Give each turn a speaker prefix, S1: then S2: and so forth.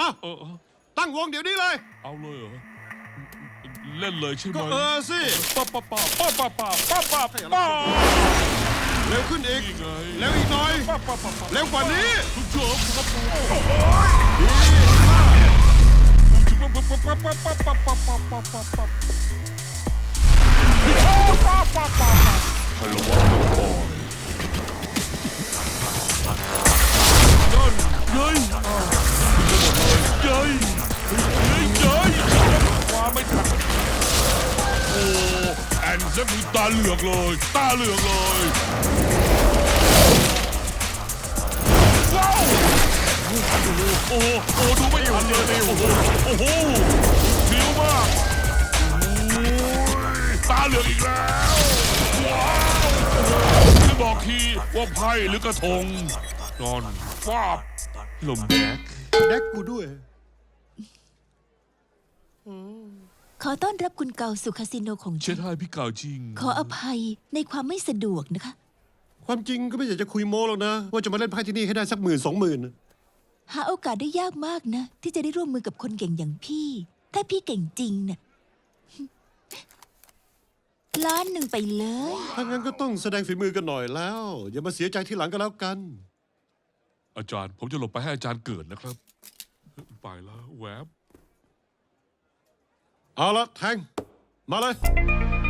S1: อ่ะ
S2: เออ
S1: ตั้งวงเดี๋ยวนี้เลย
S2: เอาเลยเหรอเล่นเลยใช่ไหม
S1: ก็สิ
S2: ป้าป้าป้าป้าป้าป้าป้าป้าป้า
S1: เร็วขึ้นอีก
S2: นี่ไง
S1: เร็วอีกหน่อย
S2: ป้าป้าป้า
S1: เร็วกว่านี้
S2: คุณเฉิมครับผม
S1: ดีมาก
S2: ป้าป้าป้าป้าป้าป้าป้าป้าป้าป้าป้าให้ระวังก่อนนั่นเย้ยเย้ยเย้ยว่าไม่ทันโอ้แอนเซฟตาเหลือกเลยตาเหลือกเลยว้าวโอ้โหดูไม่ทันเลยโอ้โหโอ้โหเร็วมากตาเหลือกอีกแล้วว้าวจะบอกทีว่าไพ่หรือกระทงนอนฟาบลมแดก
S1: แดกกูด้วย
S3: ขอต้อนรับคุณเก่าสู่คาสิโนของ
S2: เช็
S3: ฉั
S2: ด
S3: น
S2: ให้พี่เก่าจริง
S3: ขออภัยในความไม่สะดวกนะคะ
S1: ความจริงก็ไม่อยากจะคุยโม้หรอกนะ ว่าจะมาเล่นไพ่ที่นี่ให้ได้สัก10,000-20,000
S3: หาโอกาสได้ยากมากนะ ที่จะได้ร่วมมือกับคนเก่งอย่างพี่ ถ้าพี่เก่งจริงน่ะ ล้านหนึ่งไปเลย
S1: ถ้างั้นก็ต้องแสดงฝีมือกันหน่อยแล้ว อย่ามาเสียใจทีหลังก็แล้วกัน
S2: อาจารย์ผมจะหลบไปให้อาจารย์เกิดนะครับ ไปแล้วแวบ
S1: เอาละแทง มาเลย